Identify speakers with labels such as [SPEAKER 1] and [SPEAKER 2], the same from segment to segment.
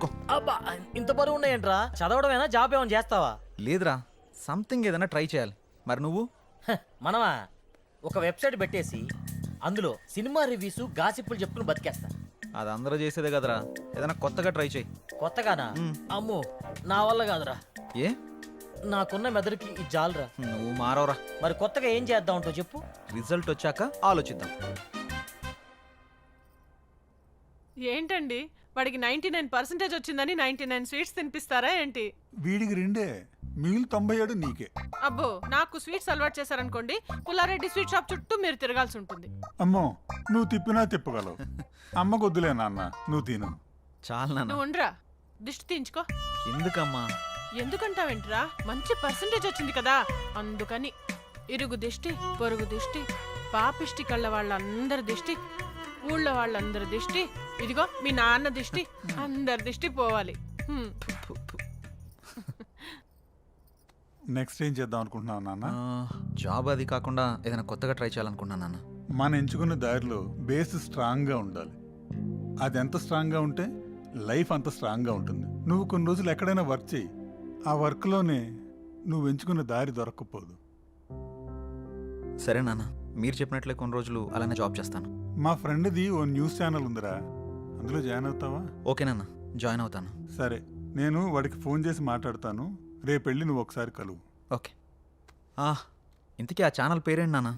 [SPEAKER 1] పట్టుకో.
[SPEAKER 2] అబ్బా ఇంత బరువు ఉన్నాయంట్రా? చదవడమేనా, జాబ్ ఏమైనా చేస్తావా?
[SPEAKER 1] లేదురా, సంథింగ్ ఏదైనా ట్రై చేయాలి. మరి నువ్వు?
[SPEAKER 2] మనమా ఒక వెబ్సైట్ పెట్టేసి అందులో సినిమా రివ్యూస్ గాసిప్పులు చెప్పుకుని బతికేస్తా.
[SPEAKER 1] అది అందరూ చేసేదే కదరా, ఏదైనా కొత్తగా ట్రై చేయి.
[SPEAKER 2] కొత్తగానా? అమ్మో నా వల్ల కాదురా.
[SPEAKER 1] ఏ?
[SPEAKER 2] నాకున్న మెదడుకి ఇది జాలరా.
[SPEAKER 1] నువ్వు మారవరా.
[SPEAKER 2] మరి కొత్తగా ఏం చేద్దాం అంటో చెప్పు.
[SPEAKER 1] రిజల్ట్ వచ్చాక ఆలోచిద్దాం.
[SPEAKER 3] ఏంటండి వాడికి 99% వచ్చిందని 99 స్వీట్స్ తినిపిస్తారా ఏంటి?
[SPEAKER 4] వీడికి 2 మిగిలిన 97 నీకే.
[SPEAKER 3] అబ్బో, నాకు స్వీట్స్ అలవాటు చేశారనుకోండి, పుల్లారెడ్డి స్వీట్ షాప్ చుట్టూ మీరు తిరగాల్సి ఉంటుంది.
[SPEAKER 4] అమ్మో, నువ్వు తిప్పినా తిప్పగలవు. అమ్మ కొద్దులే నాన్న, నువ్వు తిను.
[SPEAKER 1] చాలా నాన్న.
[SPEAKER 3] నువ్వు ఉండరా, దిష్టి తీయించుకో.
[SPEAKER 1] ఎందుకమ్మా?
[SPEAKER 3] ఎందుకంటావేంట్రా, మంచి పర్సంటేజ్ వచ్చింది కదా అందుకని. ఇరుగు దిష్టి, పొరుగు దిష్టి, పాపిష్టి కళ్ళ వాళ్ళందరి దిష్టి, ఊళ్ళో వాళ్ళందరి దిష్టి, ఇదిగో మీ నాన్న దిష్టి, అందరి దిష్టి పోవాలి.
[SPEAKER 4] నెక్స్ట్ ఏం చేద్దాం అనుకుంటున్నావు నాన్న?
[SPEAKER 1] జాబ్ అది కాకుండా ఏదైనా కొత్తగా ట్రై చేయాలనుకుంటున్నాను నాన్న.
[SPEAKER 4] మనం ఎంచుకున్న దారిలో బేస్ స్ట్రాంగ్గా ఉండాలి. అది ఎంత స్ట్రాంగ్గా ఉంటే లైఫ్ అంత స్ట్రాంగ్గా ఉంటుంది. నువ్వు కొన్ని రోజులు ఎక్కడైనా వర్క్ చేయి, ఆ వర్క్లోనే నువ్వు ఎంచుకున్న దారి దొరక్కపోదు.
[SPEAKER 1] సరే నాన్న, మీరు చెప్పినట్లే కొన్ని రోజులు అలానే జాబ్ చేస్తాను.
[SPEAKER 4] మా ఫ్రెండ్ది ఓ న్యూస్ ఛానల్ ఉందిరా, అందులో జాయిన్ అవుతావా?
[SPEAKER 1] ఓకే నాన్న, జాయిన్ అవుతాను.
[SPEAKER 4] సరే, నేను వాడికి ఫోన్ చేసి మాట్లాడతాను. రేపు వెళ్ళి నువ్వు ఒకసారి కలువు.
[SPEAKER 1] ఓకే. ఇంతకీ ఆ ఛానల్ పేరేంటి నాన్న?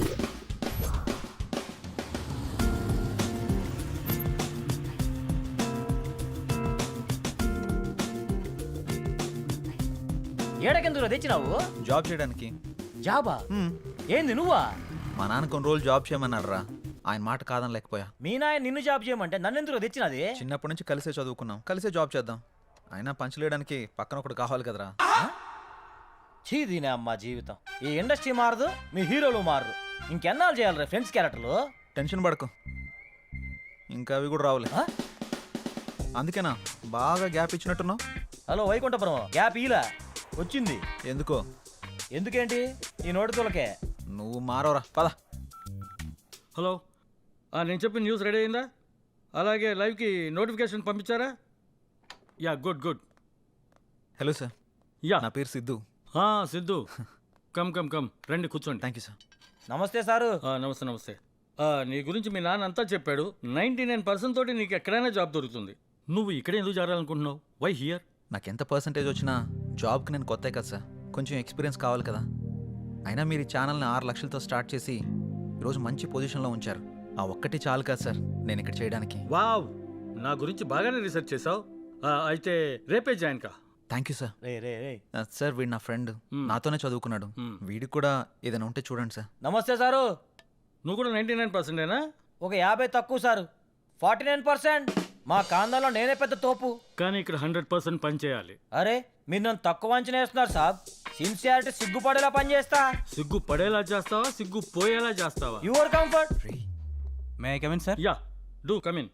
[SPEAKER 2] ఏడకెందుకు తెచ్చినావు?
[SPEAKER 1] జాబ్ చేయడానికి.
[SPEAKER 2] జాబా? ఏంది నువ్వా?
[SPEAKER 1] మా నాన్న కొన్ని రోజులు జాబ్ చేయమన్నాడు రా, ఆయన మాట కాదని లేకపోయా.
[SPEAKER 2] మీ నాయన నిన్ను జాబ్ చేయమంటే నన్నెందుకు తెచ్చినది?
[SPEAKER 1] చిన్నప్పటి నుంచి కలిసే చదువుకున్నాం, కలిసే జాబ్ చేద్దాం. అయినా పంచలేయడానికి పక్కన ఒకటి కావాలి కదరా.
[SPEAKER 2] చీదీనే అమ్మా జీవితం. ఈ ఇండస్ట్రీ మారదు, మీ హీరోలు మారరు. ఇంకెన్నాళ్ళు చేయాలరా ఫ్రెండ్స్ క్యారెక్టర్లు?
[SPEAKER 1] టెన్షన్ పడకు, ఇంకా అవి కూడా రావులే. అందుకేనా బాగా గ్యాప్ ఇచ్చినట్టున్నావు?
[SPEAKER 2] హలో వైకుంఠపురం, గ్యాప్ ఇలా వచ్చింది.
[SPEAKER 1] ఎందుకో?
[SPEAKER 2] ఎందుకేంటి ఈ నోటి తోలకే?
[SPEAKER 1] నువ్వు మారవరా, పద.
[SPEAKER 5] హలో, నేను చెప్పిన న్యూస్ రెడీ అయిందా? అలాగే లైవ్కి నోటిఫికేషన్ పంపించారా? Yeah, good good.
[SPEAKER 1] Hello sir,
[SPEAKER 5] yeah,
[SPEAKER 1] నా పేరు Siddhu.
[SPEAKER 5] Siddhu, come come come, రండి కూర్చోండి.
[SPEAKER 1] Thank you sir.
[SPEAKER 2] నమస్తే సారు.
[SPEAKER 5] నమస్తే నమస్తే. నీ గురించి మీ నాన్న అంతా చెప్పాడు. 99% తోటి నీకు ఎక్కడైనా జాబ్ దొరుకుతుంది. నువ్వు ఇక్కడే ఎందుకు చేరాలనుకుంటున్నావు? Why here?
[SPEAKER 1] నాకు ఎంత పర్సంటేజ్ వచ్చినా జాబ్కి నేను కొత్త కదా సార్, కొంచెం ఎక్స్పీరియన్స్ కావాలి కదా. అయినా మీరు ఈ ఛానల్ని 6 లక్షలతో స్టార్ట్ చేసి ఈరోజు మంచి పొజిషన్లో ఉంచారు. ఆ ఒక్కటి చాలు కదా సార్ నేను ఇక్కడ చేయడానికి.
[SPEAKER 5] వావ్, నా గురించి బాగానే రీసెర్చ్ చేసావు. అయితే రేపే జాయిన్ కా.
[SPEAKER 1] Thank you sir.
[SPEAKER 2] రే రే రే
[SPEAKER 1] సార్ వీడు నా ఫ్రెండ్, నాతోనే చదువుకున్నాడు. వీడికి కూడా ఏదైనా ఉంటే చూడండి సార్.
[SPEAKER 2] నమస్తే సారు.
[SPEAKER 5] నువ్వు కూడా 99%ఏనా?
[SPEAKER 2] ఒక 50 తక్కువ సారు. 49%. మా కాందంలో నేనే పెద్ద తోపు.
[SPEAKER 5] కానీ ఇక్కడ 100% పని చేయాలి.
[SPEAKER 2] అరే మీరు నన్ను తక్కువ అంచనా వేస్తున్నారు సాబ్. సిన్సియారిటీ సిగ్గుపడేలా పని చేస్తా.
[SPEAKER 5] సిగ్గు పడేలా చేస్తావా, సిగ్గు పోయేలా చేస్తావా?
[SPEAKER 2] Your comfort.
[SPEAKER 6] May I come in sir?
[SPEAKER 5] Yeah, do come in.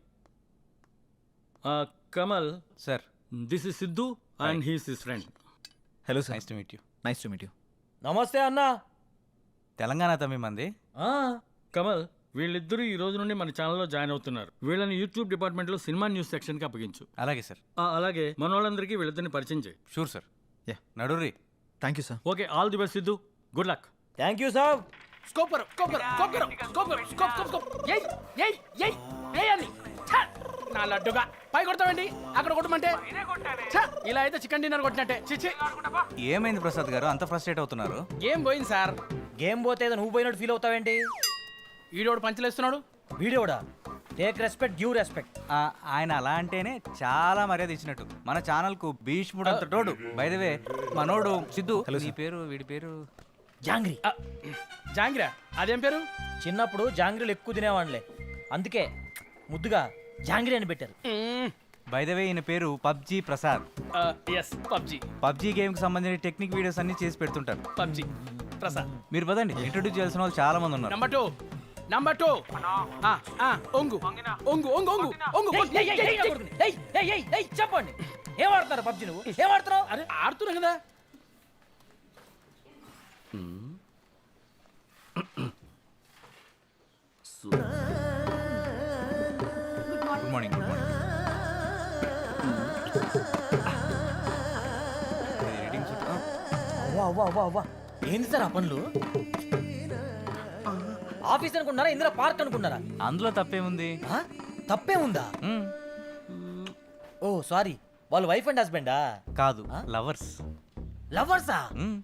[SPEAKER 5] Kamal
[SPEAKER 6] sir,
[SPEAKER 5] this is Siddhu and he's his friend.
[SPEAKER 1] Hello sir.
[SPEAKER 6] Nice to meet you.
[SPEAKER 1] Nice to meet you.
[SPEAKER 2] నమస్తే అన్నా.
[SPEAKER 6] తెలంగాణ తమ్మి మంది.
[SPEAKER 5] కమల్, వీళ్ళిద్దరూ ఈ రోజు నుండి మన ఛానల్లో జాయిన్ అవుతున్నారు. వీళ్ళని యూట్యూబ్ డిపార్ట్మెంట్లో సినిమా న్యూస్ సెక్షన్కి అప్పగించు.
[SPEAKER 6] అలాగే సార్.
[SPEAKER 5] అలాగే మన వాళ్ళందరికీ వీళ్ళిద్దరిని పరిచయం చేయి.
[SPEAKER 6] Sure sir.
[SPEAKER 1] యా,
[SPEAKER 6] నడుర్రి.
[SPEAKER 1] Thank you sir.
[SPEAKER 5] Okay, all the best Siddhu. Good luck.
[SPEAKER 2] Thank you సాబ్.
[SPEAKER 7] నా లడ్డుగా పై కొడతామండి, అక్కడ కొట్టమంటే ఇలా అయితే చికెన్ డిన్నర్ కొట్టినట్టే. చిచ్చి,
[SPEAKER 6] ఏమైంది ప్రసాద్ గారు అంత ఫ్రస్ట్రేట్ అవుతున్నారు?
[SPEAKER 7] ఏం పోయింది సార్?
[SPEAKER 2] గేమ్ పోతే ఏదో నువ్వు పోయినట్టు ఫీల్ అవుతావేంటి?
[SPEAKER 7] ఈడోడు పంచలేస్తున్నాడు.
[SPEAKER 2] వీడియోడా? Take respect, give respect.
[SPEAKER 6] ఆయన అలా అంటేనే చాలా మర్యాద ఇచ్చినట్టు. మన ఛానల్ కు భీష్ముడు అంత తోడు. బై ద వే మనోడు సిద్ధు. నీ పేరు, వీడి పేరు?
[SPEAKER 2] జాంగ్రీ.
[SPEAKER 7] జాంగిరా, అదేం పేరు?
[SPEAKER 2] చిన్నప్పుడు జాంగ్రీలు ఎక్కువ తినేవాళ్ళే, అందుకే ముద్దుగా జాంగ్రీ అని పెట్టారు.
[SPEAKER 6] బై ద వే ఈయన పేరు PUBG Prasad.
[SPEAKER 7] Yes, PUBG.
[SPEAKER 6] PUBG game కి సంబంధించిన టెక్నిక్ వీడియోస్ అన్ని చేసి పెడుతుంటారు.
[SPEAKER 7] పబ్జీ ప్రసాద్.
[SPEAKER 6] మీరు పదండి, ఇంట్రొడ్యూస్ చేయాల్సిన వాళ్ళు చాలా మంది ఉన్నారు.
[SPEAKER 7] నంబర్ 2 ఒంగు ఒంగు ఒంగు ఒంగు ఒంగు.
[SPEAKER 2] చెప్పండి, ఏం ఆడుతున్నారు పబ్జీ? నువ్వు ఏం ఆడుతున్నావు?
[SPEAKER 7] అరే ఆడుతున్నా కదా.
[SPEAKER 6] Good morning. Good morning. Editing shoot.
[SPEAKER 2] అవ్వా అవ్వా అవ్వా అవ్వా ఏంది సార్ ఆ పనులు? ఆఫీస్ అనుకున్నారా ఇందులో పార్క్ అనుకున్నారా?
[SPEAKER 6] అందులో తప్పేముంది?
[SPEAKER 2] ఆ? తప్పే ఉందా?
[SPEAKER 6] మ్,
[SPEAKER 2] ఓ సారీ, వాళ్ళు వైఫ్ అండ్ హస్బెండా?
[SPEAKER 6] కాదు, లవర్స్.
[SPEAKER 2] లవర్సా?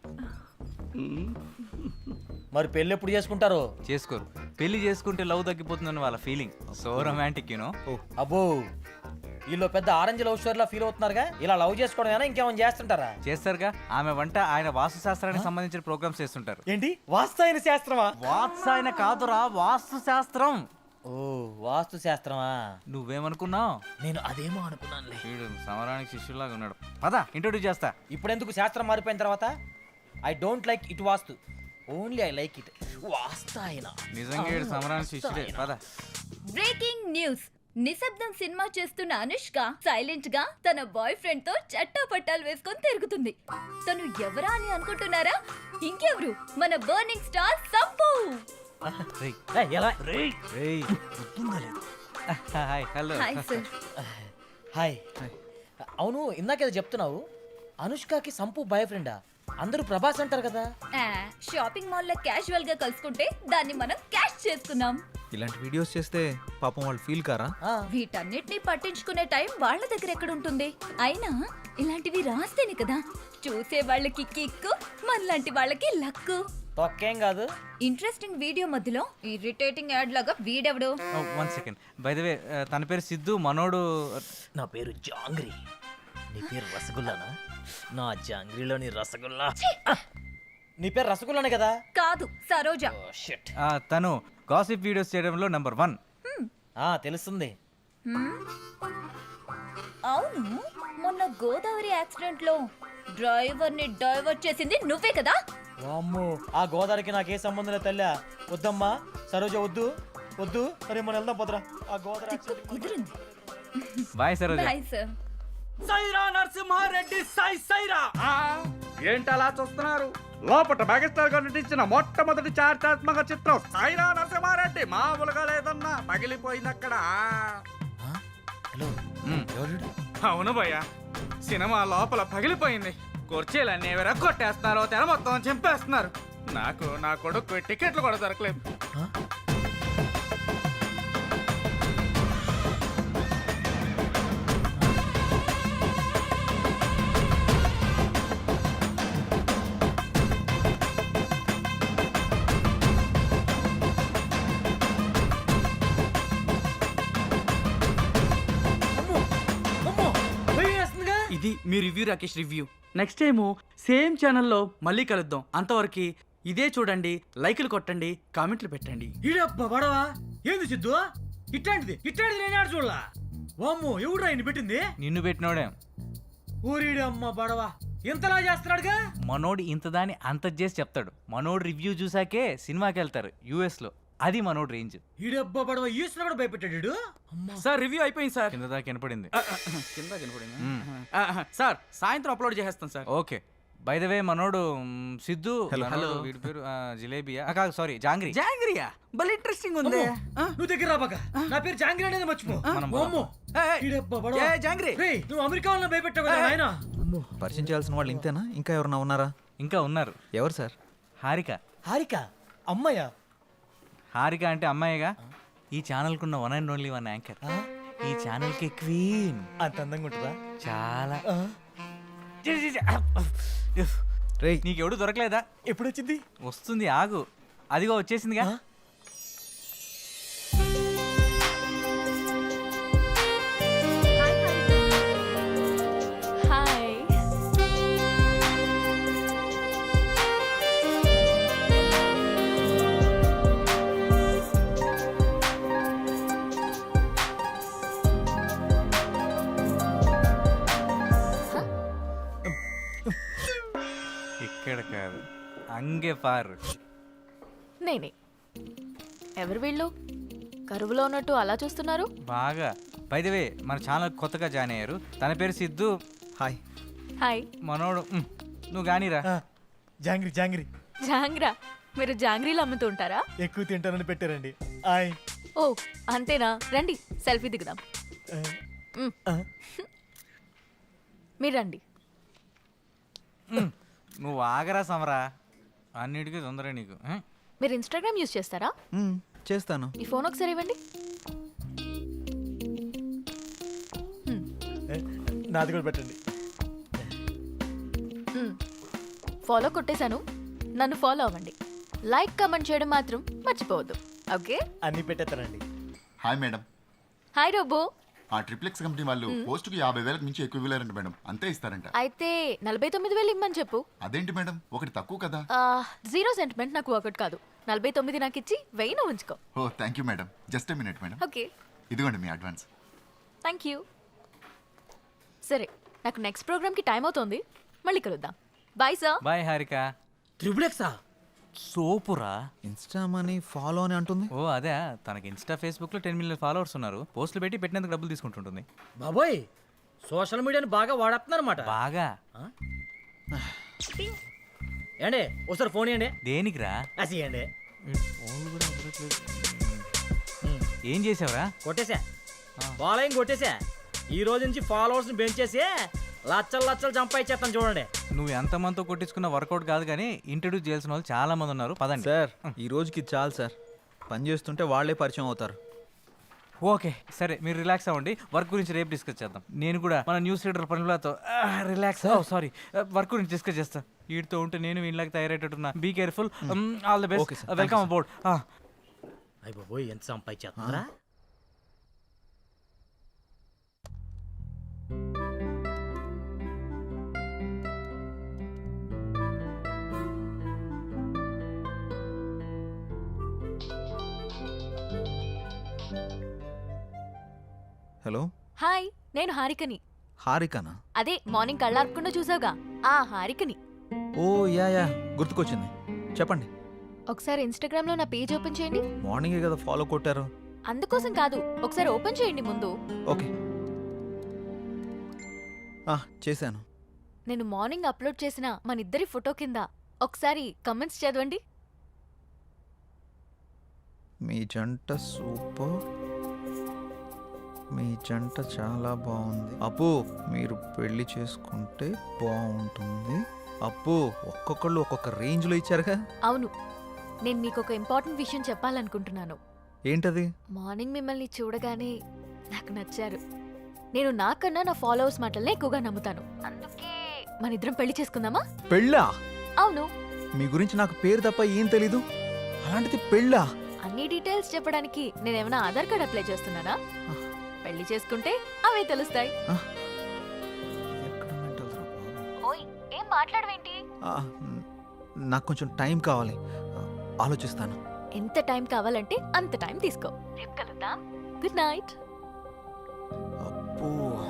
[SPEAKER 2] మరి పెళ్ళి ఎప్పుడు చేసుకుంటారో?
[SPEAKER 6] చేసుకోరు. పెళ్లి చేసుకుంటే లవ్ తగ్గిపోతుందని వాళ్ళ ఫీలింగ్. So romantic you know.
[SPEAKER 2] అబ్బో, వీళ్ళు పెద్ద ఆరెంజ్ లవ్ స్టోరీలో ఫీల్ అవుతున్నారుగా. ఇలా లవ్ చేసుకోవడం ఇంకేమైనా చేస్తుంటారా?
[SPEAKER 6] చేస్తారుగా. ఆమె వంట, ఆయన వాస్తు శాస్త్రానికి సంబంధించిన ప్రోగ్రామ్స్ చేస్తుంటారు.
[SPEAKER 2] ఏంటి వాస్తు శాస్త్రమా?
[SPEAKER 6] వాత్సాయన కాదురా, వాస్తు శాస్త్రం.
[SPEAKER 2] ఓ వాస్తు శాస్త్రమా?
[SPEAKER 6] నువ్వేమనుకున్నావు?
[SPEAKER 2] నేను అదేమో అనుకున్నానులే.
[SPEAKER 6] వీడు సమరానికి శిష్యులాగా ఉన్నాడు. పద ఇంట్రొడ్యూస్ చేస్తా.
[SPEAKER 2] ఇప్పుడెందుకు శాస్త్రం మారిపోయిన తర్వాత? I don't like it vastu, only I like it వాస్తాయన.
[SPEAKER 6] నిజంగా వీడు సమరానికి శిష్యుడే. పద.
[SPEAKER 8] Breaking news. నిశ్శబ్దం సినిమా చేస్తున్న అనుష్క సైలెంట్ గా తన బాయ్ ఫ్రెండ్ తో చట్టాపట్టాలు వేసుకొని తిరుగుతుంది. తను ఎవరా అని అనుకుంటున్నారా? ఇంకెవరు, మన బర్నింగ్ స్టార్ సంపు.
[SPEAKER 6] రేయ్,
[SPEAKER 2] ఎలా?
[SPEAKER 6] రేయ్. Hi, hello.
[SPEAKER 8] Hi sir.
[SPEAKER 2] Hi. అవును, ఇందాకేదో చెప్తున్నావు, అనుష్కకి సంపు బాయ్ ఫ్రెండా? అందరూ ప్రభాస్ అంటారు కదా.
[SPEAKER 8] షాపింగ్ మాల్ లో క్యాజువల్ గా కలుసుకుంటే దాన్ని మనం క్యాష్ చేసుకున్నాం.
[SPEAKER 1] ఇలాంటి వీడియోస్ చేస్తే పాపం వాళ్ళు ఫీల్ కారా?
[SPEAKER 8] వీటన్నిటిని పట్టించుకునే టైం వాళ్ళ దగ్గర ఎక్కడ ఉంటుంది? అయినా ఇలాంటివి రాస్తేనే కదా చూసే వాళ్ళకి కిక్కు, మనలాంటి వాళ్ళకి లక్కు.
[SPEAKER 2] తొక్కేం కాదు.
[SPEAKER 8] ఇంట్రెస్టింగ్ వీడియో మధ్యలో ఇరిటేటింగ్ యాడ్ లాగా వీడెవడు?
[SPEAKER 6] 1 సెకండ్. బై ద వే, తన పేరు సిద్ధు, మనోడు.
[SPEAKER 2] నా పేరు జాంగ్రీ. నీ పేరు రసగుల్లానా? నా జాంగ్రీలోని రసగుల్లా. నీ పేరు రసగుల్లానే కదా?
[SPEAKER 8] కాదు, సరోజ.
[SPEAKER 2] Oh shit.
[SPEAKER 6] తను గాసిప్ వీడియోస్ చేయడంలో నెంబర్ 1.
[SPEAKER 2] తెలుస్తుంది.
[SPEAKER 8] అవును, మొన్న గోదావరి యాక్సిడెంట్ లో డ్రైవర్ ని డైవర్ట్ చేసింది నువ్వే కదా?
[SPEAKER 2] వామ్మో, ఆ గోదావరికి నాకే సంబంధం లేదు తల్లా. వద్దమ్మా సరోజ, వద్దు వద్దు. అరే మనం వెళ్దాం పోదరా. ఆ గోదావరి
[SPEAKER 8] తిక్కు కుదిరింది.
[SPEAKER 6] Bye Saroja.
[SPEAKER 8] Bye sir.
[SPEAKER 5] Saira Narasimha Reddy Saira. ఏంటలా చూస్తున్నారు? లోపట మెగాస్టార్ గారు నటించిన మొట్టమొదటి చారిత్రాత్మక చిత్రం సైరా నరసింహారెడ్డి. మామూలుగా లేదన్నా, పగిలిపోయింది అక్కడ.
[SPEAKER 2] హలో, ఎవరు?
[SPEAKER 5] అవును భయ్య, సినిమా లోపల పగిలిపోయింది. కుర్చీలన్నీ ఎవరో కొట్టేస్తున్నారు, తెర మొత్తం చింపేస్తున్నారు. నాకు నా కొడుకు టికెట్లు కూడా దొరకలేదు. ఇది మీ review, Rakesh review. Next time same ఛానల్లో మళ్ళీ కలుద్దాం. అంతవరకు ఇదే చూడండి, లైకులు కొట్టండి, కామెంట్లు పెట్టండి.
[SPEAKER 2] ఈడబ్బా బడవా, ఏంది సిద్ధు? ఇట్లాంటిది నేను ఆడ చూడలా. వామ్మో, ఎవడు ఆయన పెట్టింది?
[SPEAKER 6] నిన్ను పెట్టినోడే.
[SPEAKER 2] ఊరిడమ్మ బడవా, ఇంతలా చేస్తున్నాడుగా.
[SPEAKER 6] మనోడు ఇంత దాన్ని అంత చేసి చెప్తాడు. మనోడు రివ్యూ చూసాకే సినిమాకి వెళ్తారు US లో. అది మనోడు రేంజ్.
[SPEAKER 2] ఈడబ్బా బడవా, ఈసిన కూడా భయపెట్టాడు.
[SPEAKER 5] సార్ రివ్యూ అయిపోయింది సార్.
[SPEAKER 6] కింద దాకా వినపడింది.
[SPEAKER 5] కింద కనపడింది సార్. సాయంత్రం అప్లోడ్ చేసేస్తాం sir.
[SPEAKER 6] Okay. By the way, మనోడు సిద్ధు.
[SPEAKER 1] Hello.
[SPEAKER 6] మనోడు, వీడి పేరు జిలేబియా కాదు, సారీ, జాంగ్రీ.
[SPEAKER 5] జాంగ్రియా భలే ఇంట్రెస్టింగ్ ఉంది.
[SPEAKER 2] నువ్వు దగ్గర రాబాక. నా పేరు జాంగ్రీ అనేది మర్చిపో.
[SPEAKER 6] మనం
[SPEAKER 2] వామ్మో, ఈడబ్బా బడవా.
[SPEAKER 5] జాంగ్రీ
[SPEAKER 2] రేయ్, నువ్వు అమెరికా వాళ్ళని భయపెట్టావు కదా నాయనా.
[SPEAKER 1] పరిచయం చేయాల్సిన వాళ్ళు ఇంతేనా? ఇంకా ఎవరన్నా ఉన్నారా?
[SPEAKER 6] ఇంకా ఉన్నారు.
[SPEAKER 1] ఎవరు సార్?
[SPEAKER 6] హారిక.
[SPEAKER 2] హారిక అమ్మయ్య.
[SPEAKER 6] హారిక అంటే అమ్మాయిగా. ఈ ఛానల్కున్న 1 and only 1 యాంకర్. ఈ ఛానల్కి క్వీన్.
[SPEAKER 2] అంత అందంగా ఉంటుందా?
[SPEAKER 6] చాలా.
[SPEAKER 2] ఆ,
[SPEAKER 1] రేయ్,
[SPEAKER 6] నీకెవడు దొరకలేదా?
[SPEAKER 2] ఎప్పుడొచ్చింది?
[SPEAKER 6] వస్తుంది, ఆగు. అదిగో వచ్చేసిందిగా.
[SPEAKER 8] హాయ్.
[SPEAKER 6] ఇక్కడ కాదు, అంగే పారు.
[SPEAKER 9] నేనే. ఎవరు వీళ్ళు? కరువులో ఉన్నట్టు అలా చూస్తున్నారు?
[SPEAKER 6] బాగా. బై ద వే, మన ఛానల్ కొత్తగా జాయిన్ అయ్యారు. తన పేరు సిద్ధు.
[SPEAKER 1] హాయ్.
[SPEAKER 9] హాయ్.
[SPEAKER 6] మనోడు నువ్వు గానీరా.
[SPEAKER 2] జాంగ్రీ జాంగ్రీ.
[SPEAKER 9] జాంగ్రా? మీరు జాంగ్రీలు అమ్ముతుంటారా?
[SPEAKER 2] ఎక్కువ తింటానని పెట్టారండి. ఆయ్.
[SPEAKER 9] ఓ అంతేనా? రండి సెల్ఫీ దిగుదాం. మీరు రండి.
[SPEAKER 6] నువ్వు ఆగరా సమరా, అన్నిటికీ తొందర నీకు.
[SPEAKER 9] మీరు ఇన్స్టాగ్రామ్ యూజ్ చేస్తారా?
[SPEAKER 1] చేస్తాను.
[SPEAKER 9] ఈ ఫోన్ ఒకసారి ఇవ్వండి.
[SPEAKER 2] నాది కూడా పెట్టండి.
[SPEAKER 9] ఫాలో కొట్టేశాను, నన్ను ఫాలో అవ్వండి. లైక్ కమెంట్ చేయడం మాత్రం మర్చిపోవద్దు. ఓకే,
[SPEAKER 2] అన్ని పెట్టేస్తానండి.
[SPEAKER 10] Hi madam,
[SPEAKER 9] hi robo.
[SPEAKER 10] ఆ ట్రిప్లెక్స్ కంపెనీ వాళ్ళు పోస్టుకి 50,000 మించి ఎక్కువ ఇవ్వలేరంట మేడం, అంతే ఇస్తారంట.
[SPEAKER 9] అయితే 49,000 ఇమ్మని చెప్పు.
[SPEAKER 10] అదేంటి మేడం, ఒకటి తక్కువ కదా.
[SPEAKER 9] జీరో సెంటిమెంట్ నాకు ఒకటి కాదు. 49 నాకు ఇచ్చి 1000 నువ్వు ఉంచుకో.
[SPEAKER 10] Oh thank you madam, just a minute madam.
[SPEAKER 9] Okay,
[SPEAKER 10] ఇదిగోండి మీ అడ్వాన్స్.
[SPEAKER 9] Thank you. సరే, నాకు నెక్స్ట్ ప్రోగ్రామ్కి టైం అవుతోంది, మళ్ళీ కలుద్దాం. Bye sir.
[SPEAKER 6] బాయ్ హారిక.
[SPEAKER 2] ట్రిపులెక్సా?
[SPEAKER 6] సోపురా.
[SPEAKER 1] ఇన్స్టా మనీ ఫాలో అని అంటుంది.
[SPEAKER 6] ఓ అదే, తనకి ఇన్స్టా ఫేస్బుక్ లో 10 మిలియన్ ఫాలోవర్స్ ఉన్నారు. పోస్టులు పెట్టి పెట్టినందుకు డబ్బులు తీసుకుంటుంటుంది.
[SPEAKER 2] బాబోయ్, సోషల్ మీడియాని బాగా వాడేస్తున్నారన్నమాట.
[SPEAKER 6] బాగా.
[SPEAKER 2] ఏండి ఒకసారి ఫోన్ ఇవ్వండి.
[SPEAKER 6] దేనికిరా?
[SPEAKER 2] అసియండి.
[SPEAKER 6] ఏం చేసావురా?
[SPEAKER 2] కొట్టేసా, ఫాలోయింగ్ కొట్టేసా. ఈ రోజు నుంచి ఫాలోవర్స్ ని పెంచేసి లచ్చలు లచ్చలు సంపాదించేస్తాను చూడండి.
[SPEAKER 6] నువ్వు ఎంతమందితో కొట్టించుకున్న వర్కౌట్ కాదు కానీ ఇంట్రడ్యూస్ చేయాల్సిన వాళ్ళు చాలా మంది ఉన్నారు. పదండి
[SPEAKER 1] సార్, ఈ రోజుకి చాలు సార్. పని చేస్తుంటే వాళ్ళే పరిచయం అవుతారు.
[SPEAKER 6] ఓకే సరే, మీరు రిలాక్స్ అవ్వండి. వర్క్ గురించి రేపు డిస్కస్ చేద్దాం. నేను కూడా మన న్యూస్ రీడర్ పనులతో రిలాక్స్. సారీ, వర్క్ గురించి డిస్కస్ చేస్తా. వీటితో ఉంటే నేను వీళ్ళకి తయారయ్యేటట్టున్నా. Be careful. All the
[SPEAKER 1] Okay,
[SPEAKER 6] best.
[SPEAKER 1] sir. Thank
[SPEAKER 6] welcome
[SPEAKER 1] you,
[SPEAKER 6] about.
[SPEAKER 2] అయ్య బాబోయ్, ఎంత సంపాదించేస్తున్నారా?
[SPEAKER 1] హలో,
[SPEAKER 9] హాయ్, నేను హారికని.
[SPEAKER 1] హారికనా?
[SPEAKER 9] అదే మార్నింగ్ కళ్ళార్పకుండా చూసావుగా, ఆ హారికని.
[SPEAKER 1] ఓ యా, గుర్తుకొచ్చింది. చెప్పండి.
[SPEAKER 9] ఒకసారి ఇన్స్టాగ్రామ్ లో నా పేజ్ ఓపెన్ చేయండి.
[SPEAKER 1] మార్నింగే కదా ఫాలో కొట్టారు.
[SPEAKER 9] అందుకోసం కాదు, ఒకసారి ఓపెన్ చేయండి ముందు.
[SPEAKER 1] ఓకే, చేశాను.
[SPEAKER 9] నేను మార్నింగ్ అప్లోడ్ చేసిన మన ఇద్దరి ఫోటో కింద ఒకసారి కమెంట్స్ చదవండి.
[SPEAKER 1] మీ జంట సూపర్, మీ జంట చాలా బాగుంది. అప్పు, మీరు పెళ్లి చేసుకుంటే బాగుంటుంది. అప్పు, ఒక్కొక్కళ్ళు ఒక్కొక్క రేంజ్లో ఇచ్చారుగా.
[SPEAKER 9] అవును, నేను మీకు ఒక ఇంపార్టెంట్ విషయం చెప్పాలనుకుంటున్నాను.
[SPEAKER 1] ఏంటది?
[SPEAKER 9] మార్నింగ్ మిమ్మల్ని చూడగానే నాకు నచ్చారు. నేను నాకన్నా నా ఫాలోవర్స్ మాటలనే ఎక్కువగా నమ్ముతాను. అందుకే మన ఇద్దరం పెళ్లి చేసుకుందామా?
[SPEAKER 1] పెళ్ళా?
[SPEAKER 9] అవును.
[SPEAKER 1] మీ గురించి నాకు పేరు తప్ప ఏం తెలీదు, అలాంటిది పెళ్ళా?
[SPEAKER 9] అన్ని డీటెయిల్స్ చెప్పడానికి నేనేమైనా ఆధార్ కార్డ్ అప్లై చేస్తున్నానా? పెళ్లి చేసుకుంటే అవే తెలుస్తాయి.
[SPEAKER 1] ఎక్కడ mental రా బాబు?
[SPEAKER 9] ఓయ్, ఏం మాట్లాడవేంటి?
[SPEAKER 1] నాకు కొంచెం టైం కావాలి, ఆలోచిస్తాను.
[SPEAKER 9] ఎంత టైం కావాలంటే అంత టైం తీసుకో. రేపు కలుద్దాం. Good night.
[SPEAKER 1] అప్పు,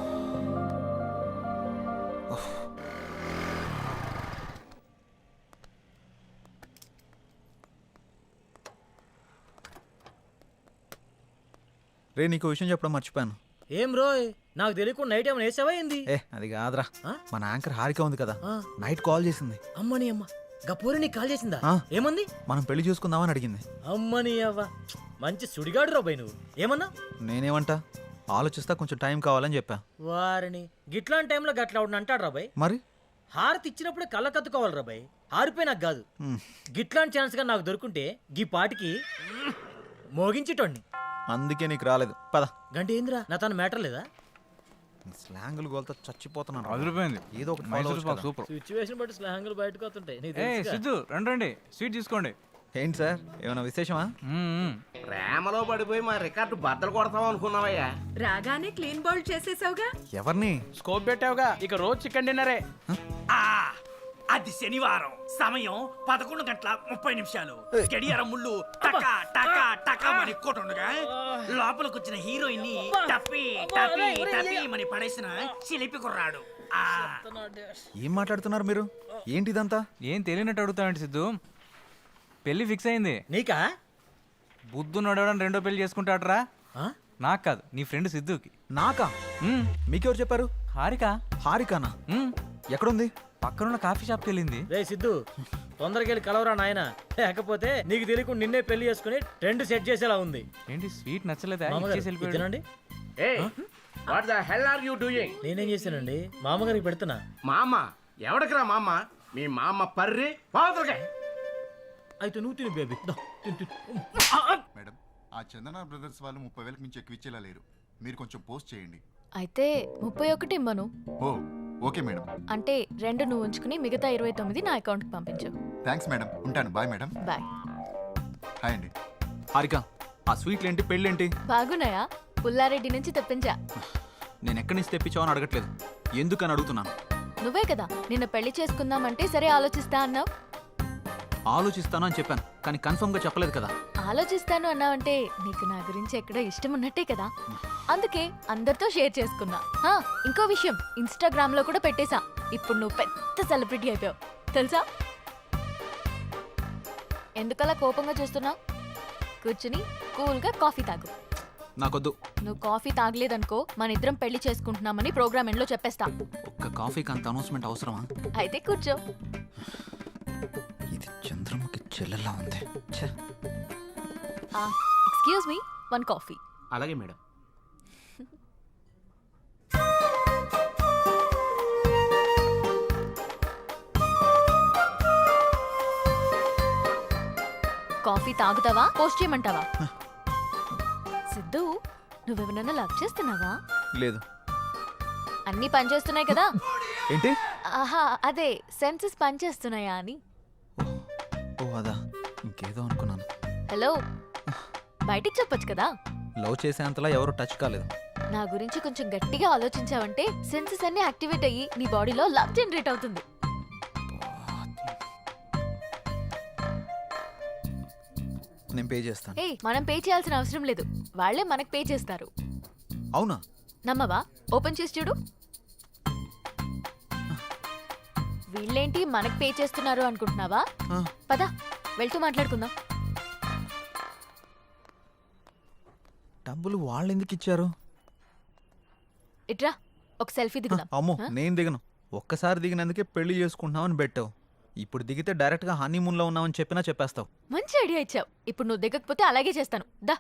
[SPEAKER 1] రే, నీకు విషయం చెప్పడం మర్చిపోయాను.
[SPEAKER 2] ఏం రోయ్, నాకు తెలియకుండా నైట్ ఏమైనా వేసావా ఏంది?
[SPEAKER 1] అది కాదురా, మన యాంకర్ హారిక ఉంది కదా,
[SPEAKER 2] ఆ.
[SPEAKER 1] నైట్ కాల్ చేసింది.
[SPEAKER 2] అమ్మని అమ్మ, గపూరి నీకు కాల్ చేసిందా?
[SPEAKER 1] ఆ.
[SPEAKER 2] ఏమంది?
[SPEAKER 1] మనం పెళ్లి చూసుకుందామని అడిగింది.
[SPEAKER 2] అమ్మని అవ్వ, మంచి సుడిగాడు రాబాయ్ నువ్వు. ఏమన్నా?
[SPEAKER 1] నేనేమంటా, ఆలోచిస్తా, కొంచెం టైం కావాలని చెప్పా.
[SPEAKER 2] వారిని గిట్లాంటి టైంలో గట్లా అవును అంటాడు రాబాయ్.
[SPEAKER 1] మరి
[SPEAKER 2] హారతి ఇచ్చినప్పుడే కళ్ళ కత్తుకోవాలి రాబాయ్. హారిపోయి నాకు కాదు.
[SPEAKER 1] మ్,
[SPEAKER 2] గిట్లాంటి ఛాన్స్ గా నాకు దొరుకుంటే గీ పాటికి మోగించేటోడిని.
[SPEAKER 1] అందుకే నీకు రాలేదు. పద.
[SPEAKER 2] గంట ఏందిరా, నా తన మ్యాటర్ లేదా?
[SPEAKER 1] స్లాంగులు గోల్తో చచ్చిపోతున్నాను.
[SPEAKER 6] అదిరిపోయింది.
[SPEAKER 1] ఏదో ఒకటి follow
[SPEAKER 6] మైసూర్
[SPEAKER 1] అవ్వచ్చు
[SPEAKER 6] పాక్
[SPEAKER 1] కదా.
[SPEAKER 6] సూపర్.
[SPEAKER 2] సిచ్యువేషన్ బట్టి స్నేహంగా బయటకు వస్తుంటాయి నీకు
[SPEAKER 6] ఏ
[SPEAKER 2] తెలుసుగా.
[SPEAKER 6] సిద్ధు, రండి స్వీట్ తీసుకోండి.
[SPEAKER 1] ఏంటి సార్, ఏమైనా విశేషమా?
[SPEAKER 5] ప్రేమలో పడిపోయి మా రికార్డు బద్దలు కొడతాం అనుకున్నావయ్యా.
[SPEAKER 3] రాగానే క్లీన్ బౌల్ చేసేసావుగా.
[SPEAKER 1] ఎవరిని?
[SPEAKER 7] స్కోప్ పెట్టావుగా, ఇక రోజు చికెన్ డిన్నరే.
[SPEAKER 5] అది శనివారం, సమయం 11:30 గడియారం ముళ్ళు టకా టకా టకా మని కొట్టుండగా లోపలికి వచ్చిన హీరోయిన్ ని టప్పి టప్పి టప్పి మని పడేసిన చిలిపి కుర్రాడు.
[SPEAKER 1] ఏం మాట్లాడుతున్నారు మీరు? ఏంటిదంతా?
[SPEAKER 6] ఏం తెలియనట్టు అడుగుతావండి సిద్ధు. పెళ్లి ఫిక్స్ అయింది.
[SPEAKER 2] నీకా?
[SPEAKER 6] బుద్ధు నడవడం రెండో పెళ్లి చేసుకుంటాడరా.
[SPEAKER 2] ఆ?
[SPEAKER 6] నాకు కాదు, నీ ఫ్రెండ్ సిద్ధుకి.
[SPEAKER 1] నాకా? మీకెవరు చెప్పారు?
[SPEAKER 6] హారిక.
[SPEAKER 1] హారికానా? ఎక్కడుంది?
[SPEAKER 6] పక్కనున్న కాఫీ షాప్కి వెళ్ళింది.
[SPEAKER 2] రే సిద్ధు, తొందరగా వెళ్ళి కలవరా నాయన, లేకపోతే నీకు తెలియకుండా నిన్నే పెళ్లి చేసుకుని ట్రెండ్ సెట్ చేసేలా ఉంది.
[SPEAKER 6] ఏంటి స్వీట్ నచ్చలేదా?
[SPEAKER 2] మామగారు,
[SPEAKER 6] ఇచ్చేసి వెళ్ళిపోయాడు.
[SPEAKER 2] ఇది తినండి.
[SPEAKER 5] What the hell are you doing?
[SPEAKER 2] నేనేం చేశానండి మామగారికి పెడుతున్నా.
[SPEAKER 5] మామ ఎవడికిరా మామ? మీ మామ పర్రి పాదులుగా.
[SPEAKER 2] అయితే నువ్వు తిను బేబీ.
[SPEAKER 10] మేడం ఆ చందన బ్రదర్స్ వాళ్ళు 30,000 మించి ఎక్కువ ఇచ్చేలా లేరు. మీరు కొంచెం పోస్ట్ చేయండి.
[SPEAKER 9] అయితే 31 ఇమ్మను.
[SPEAKER 10] ఓ ఓకే మేడం.
[SPEAKER 9] అంటే 2 నువ్వు ఉంచుకుని మిగతా 29 నా అకౌంట్కి పంపించు.
[SPEAKER 10] Thanks madam. ఉంటాను. Bye madam.
[SPEAKER 9] బాయ్.
[SPEAKER 10] హాయ్ అండి.
[SPEAKER 1] హారిక, ఆ స్వీట్లేంటి, పెళ్ళేంటి?
[SPEAKER 9] బాగున్నాయా? పుల్లారెడ్డి నుంచి తెప్పించా.
[SPEAKER 1] నేను ఎక్కడి నుంచి తెప్పించావని అడగట్లేదు, ఎందుకని అడుగుతున్నాను.
[SPEAKER 9] నువ్వే కదా నిన్న పెళ్లి చేసుకుందామంటే సరే ఆలోచిస్తా అన్నావు.
[SPEAKER 1] ఆలోచిస్తాను అని చెప్పాను, కానీ కన్ఫర్మ్గా చెప్పలేదు కదా.
[SPEAKER 9] ఆలోచిస్తాను అన్నావంటే నీకు నా గురించి ఎక్కడో ఇష్టం ఉన్నట్టే కదా. అందుకే అందరితో షేర్ చేసుకున్నా. ఇంకో విషయం, ఇన్స్టాగ్రామ్ లో కూడా పెట్టేశా. ఇప్పుడు నువ్వు పెద్ద సెలబ్రిటీ అయిపోయావు తెలుసా. ఎందుకలా కోపంగా చూస్తున్నావు? కూర్చుని కూల్గా కాఫీ తాగు.
[SPEAKER 1] నాకొద్దు.
[SPEAKER 9] నువ్వు కాఫీ తాగలేదనుకో మన ఇద్దరం పెళ్లి చేసుకుంటున్నామని ప్రోగ్రామ్ ఎండ్లో చెప్పేస్తా.
[SPEAKER 1] ఒక్క కాఫీకి అంత అనౌన్స్మెంట్ అవసరమా?
[SPEAKER 9] అయితే కూర్చో.
[SPEAKER 1] ఇది చంద్రముఖి చెల్లెల్లా ఉంది. ఛే.
[SPEAKER 9] Excuse me, 1 coffee.
[SPEAKER 5] అలాగే మేడం.
[SPEAKER 9] కాఫీ తాగుతావా పోస్ట్ చేయమంటావా? సిద్ధు, నువ్వెవరన్నా లవ్ చేస్తున్నావా?
[SPEAKER 1] లేదు.
[SPEAKER 9] అన్నీ పనిచేస్తున్నాయి కదా.
[SPEAKER 1] ఏంటి?
[SPEAKER 9] ఆహా, అదే సెన్సెస్ పనిచేస్తున్నాయా అని.
[SPEAKER 1] ఓ అదా, ఇంకేదో అనుకున్నాను.
[SPEAKER 9] హలో, బయటికి చెప్పొచ్చు కదా.
[SPEAKER 1] లవ్ చేసేంతలా ఎవరు టచ్ కాలేదు.
[SPEAKER 9] నా గురించి కొంచెం గట్టిగా ఆలోచించావంటే సెన్సెస్ అన్ని యాక్టివేట్ అయ్యి నీ బాడీలో లవ్ జనరేట్ అవుతుంది.
[SPEAKER 1] నేను పే చేస్తాను.
[SPEAKER 9] మనం పే చేయాల్సిన అవసరం లేదు, వాళ్ళే మనకు పే చేస్తారు.
[SPEAKER 1] అవునా?
[SPEAKER 9] నమ్మవా? ఓపెన్ చేసి చూడు. వీళ్ళేంటి మనకు పే చేస్తున్నారు అనుకుంటున్నావా? పద వెళ్తూ మాట్లాడుకుందాం.
[SPEAKER 1] డబ్బులు వాళ్ళు ఎందుకు ఇచ్చారు?
[SPEAKER 9] ఇట్రా, ఒక సెల్ఫీ దిగుదాం.
[SPEAKER 1] అమ్మో, నేను దిగను. ఒక్కసారి దిగినందుకే పెళ్లి చేసుకుంటున్నామని పెట్టావు. ఇప్పుడు దిగితే డైరెక్ట్గా హనీమూన్లో ఉన్నామని చెప్పినా చెప్పేస్తావు.
[SPEAKER 9] మంచి ఐడియా ఇచ్చావు. ఇప్పుడు నువ్వు దిగకపోతే అలాగే చేస్తాను. దా.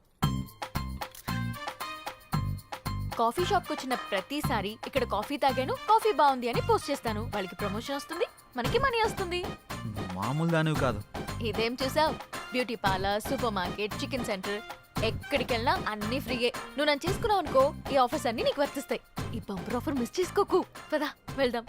[SPEAKER 9] కాఫీ షాప్కి వచ్చిన ప్రతిసారి ఇక్కడ కాఫీ తాగాను, కాఫీ బాగుంది అని పోస్ట్ చేస్తాను. వాళ్ళకి ప్రమోషన్ వస్తుంది, మనకి మనీ వస్తుంది.
[SPEAKER 1] నువ్వు మామూలు దానివి కాదు.
[SPEAKER 9] ఇదేం చూసావు? Beauty parlour, supermarket, chicken centre, ఎక్కడికి వెళ్ళినా అన్నీ ఫ్రీయే. నువ్వు నన్ను చేసుకున్నావు అనుకో, ఈ ఆఫర్స్ అన్ని నీకు వర్తిస్తాయి. ఈ బంపర్ ఆఫర్ మిస్ చేసుకోకు. పదా వెళ్దాం.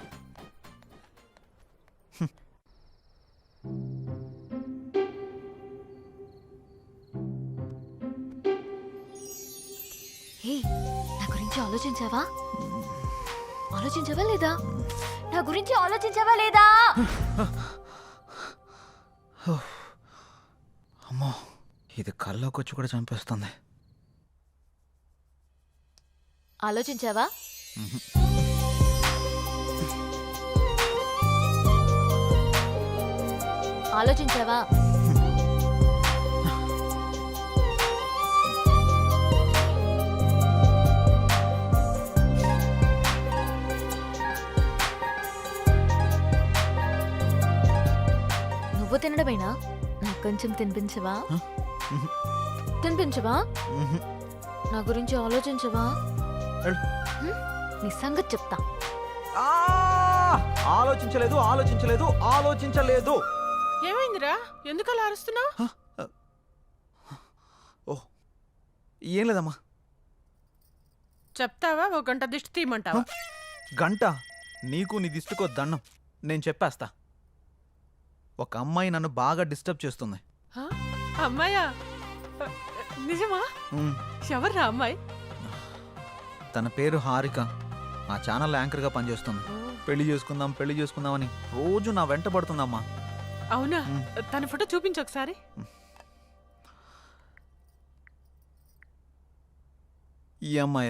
[SPEAKER 9] హే, నా గురించి ఆలోచించావా? ఆలోచించావా లేదా? నా గురించి ఆలోచించావా లేదా?
[SPEAKER 1] అమ్మో, ఇది కల్లోకి వచ్చి కూడా చంపేస్తుంది.
[SPEAKER 9] ఆలోచించావా? ఆలోచించావా? నువ్వు తినడమేనా? నాకు కొంచెం తినిపించవా? తినిపించవా? నా గురించి ఆలోచించవా? నీ సంగతి చెప్తా.
[SPEAKER 1] ఆలోచించలేదు, ఆలోచించలేదు, ఆలోచించలేదు.
[SPEAKER 3] ఏమైందిరా? ఎందుకు అలా అరుస్తున్నావు?
[SPEAKER 1] ఓ ఏం లేదమ్మా.
[SPEAKER 3] చెప్తావా? 1 గంట దిష్టి తీయమంటావా?
[SPEAKER 1] గంట? నీకు నీ దిష్టికో దండం. నేను చెప్పేస్తా. ఒక అమ్మాయి నన్ను బాగా డిస్టర్బ్ చేస్తుంది.
[SPEAKER 3] అమ్మాయా? నిజమా? ఎవర్రా అమ్మాయి?
[SPEAKER 1] తన పేరు హారిక. ఆ ఛానల్ యాంకర్గా పనిచేస్తుంది. పెళ్లి చేసుకుందాం, పెళ్లి చేసుకుందామని రోజు నా వెంట పడుతుందమ్మా.
[SPEAKER 3] అవునా? తన ఫోటో చూపించు ఒకసారి.
[SPEAKER 1] ఈ అమ్మాయి.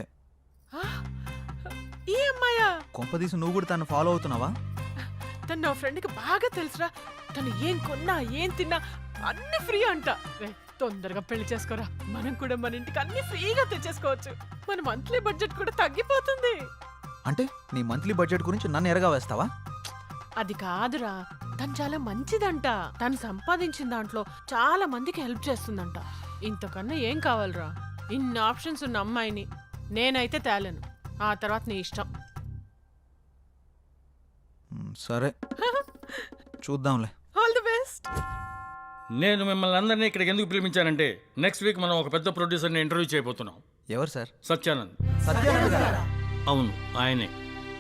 [SPEAKER 3] ఈ అమ్మాయా?
[SPEAKER 1] కొంపదీసి నువ్వు కూడా తను ఫాలో అవుతున్నావా?
[SPEAKER 3] తను నా ఫ్రెండ్కి బాగా తెలుసురా. తను ఏం కొన్నా, ఏం తిన్నా అన్ని ఫ్రీ అంట. తొందరగా పెళ్లి చేసుకోరా, మనం కూడా మన ఇంటికి అన్ని ఫ్రీగా తెచ్చేసుకోవచ్చు. మన మంత్లీ బడ్జెట్ కూడా తగ్గిపోతుంది.
[SPEAKER 1] అంటే నీ మంత్లీ బడ్జెట్ గురించి నన్ను ఎరగా వేస్తావా?
[SPEAKER 3] అది కాదురా, తను చాలా మంచిదంట. తను సంపాదించిన దాంట్లో చాలా మందికి హెల్ప్ చేస్తుందంట. ఇంతకన్నా ఏం కావాలరా? ఇన్ని ఆప్షన్స్ ఉన్న అమ్మాయిని నేనైతే తేలేను. ఆ తర్వాత నీ ఇష్టం.
[SPEAKER 1] సరే చూద్దాంలే.
[SPEAKER 3] All the best.
[SPEAKER 5] నేను మిమ్మల్ని అందరినీ ఇక్కడికి ఎందుకు పిలిపించానంటే నెక్స్ట్ వీక్ మనం ఒక పెద్ద ప్రొడ్యూసర్ని ఇంటర్వ్యూ చేయబోతున్నాం.
[SPEAKER 1] ఎవరు సార్?
[SPEAKER 5] సత్యానంద్. అవును, ఆయనే.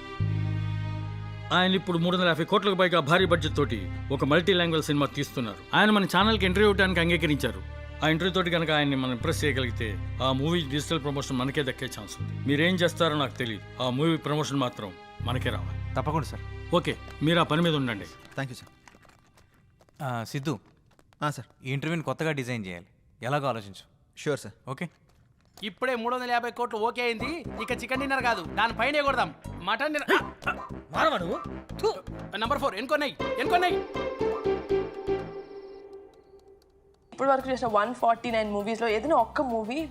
[SPEAKER 5] ఆయన ఇప్పుడు 350 కోట్లకు పైగా భారీ బడ్జెట్ తోటి ఒక మల్టీ లాంగ్వేజ్ సినిమా తీస్తున్నారు. ఆయన మన ఛానల్కి ఇంటర్వ్యూ ఇవ్వడానికి అంగీకరించారు. ఆ ఇంటర్వ్యూ తోటి కనుక ఆయన్ని మనం ఇంప్రెస్ చేయగలిగితే ఆ మూవీ డిజిటల్ ప్రమోషన్ మనకే దక్కే ఛాన్స్ ఉంది. మీరేం చేస్తారో నాకు తెలియదు, ఆ మూవీ ప్రమోషన్ మాత్రం మనకే రావాలి.
[SPEAKER 6] తప్పకుండా సార్.
[SPEAKER 5] ఓకే, మీరు ఆ పని మీద ఉండండి.
[SPEAKER 1] Thank you sir.
[SPEAKER 6] Siddhu,
[SPEAKER 1] sir
[SPEAKER 6] ఈ ఇంటర్వ్యూని కొత్తగా డిజైన్ చేయాలి. ఎలాగో ఆలోచించు.
[SPEAKER 1] Sure sir.
[SPEAKER 6] ఓకే.
[SPEAKER 7] ఇప్పుడే 350 కోట్లు ఓకే అయింది. ఇక చికెన్ డిన్నర్ కాదు, దానిపైనే కొడదాం. Mutton dinner. నంబర్ 4 ఎన్కొన్నాయి.
[SPEAKER 11] ఇప్పుడు వరకు చేసిన 149 మూవీస్లో ఏదైనా ఒక్క మూవీ